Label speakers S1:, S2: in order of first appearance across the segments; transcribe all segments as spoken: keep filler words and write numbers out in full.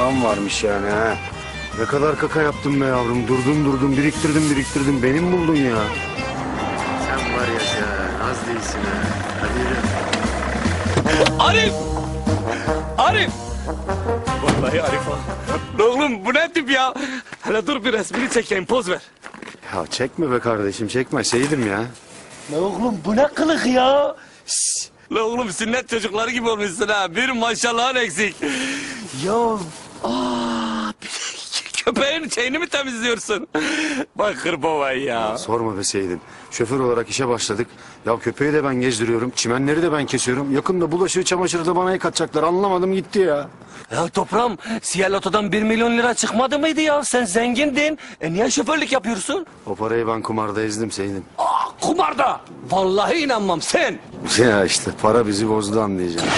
S1: param varmış yani ha. Ne kadar kaka yaptım be yavrum. Durdum durdum biriktirdim biriktirdim. Benim buldun ya.
S2: Sen var ya sen az değilsin ha. Hadi yürü.
S3: Arif! Arif! Vallahi Arif ha. Oğlum bu ne tip ya? Hele dur bir resmini çekeyim, poz ver.
S1: Ya çekme be kardeşim çekme. Seydim ya.
S3: La oğlum bu ne kılık ya? Şşş! La oğlum sünnet çocukları gibi olmuşsun ha. Bir maşallahın eksik. Ya aa, köpeğin şeyini mi temizliyorsun? Bak hırbavan ya.
S1: Sorma be Seydim. Şoför olarak işe başladık. Ya köpeği de ben gezdiriyorum. Çimenleri de ben kesiyorum. Yakında bulaşığı çamaşırı da bana yıkatacaklar. Anlamadım gitti ya.
S3: Ya toprağım, Siyah Loto'dan bir milyon lira çıkmadı mıydı ya? Sen zengindin. E niye şoförlük yapıyorsun?
S1: O parayı ben kumarda ezdim Seydim.
S3: Aa, kumarda. Vallahi inanmam sen.
S1: Ya işte para bizi bozdu anlayacağım.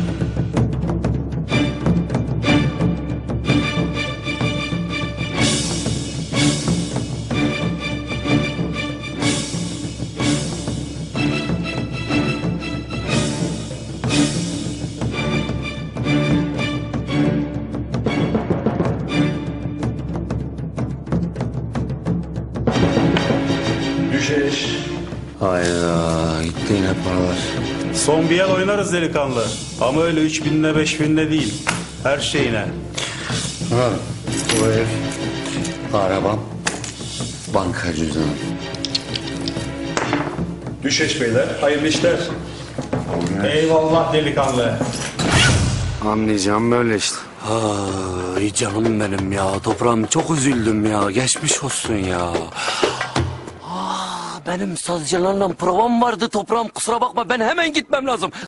S4: Düşeş.
S1: Hayda gitti yine paralar.
S4: Son bir el oynarız delikanlı. Ama öyle üç binle beş binle değil. Her şeyine.
S1: Ha, bu ev, arabam, banka cüzdanım.
S4: Düşeş beyler. Hayırlı işler. Eyvallah delikanlı.
S1: Anlayacağım böyle işte.
S3: Ay canım benim ya. Toprağım çok üzüldüm ya. Geçmiş olsun ya. Aa, benim sazcılarla provam vardı toprağım. Kusura bakma ben hemen gitmem lazım.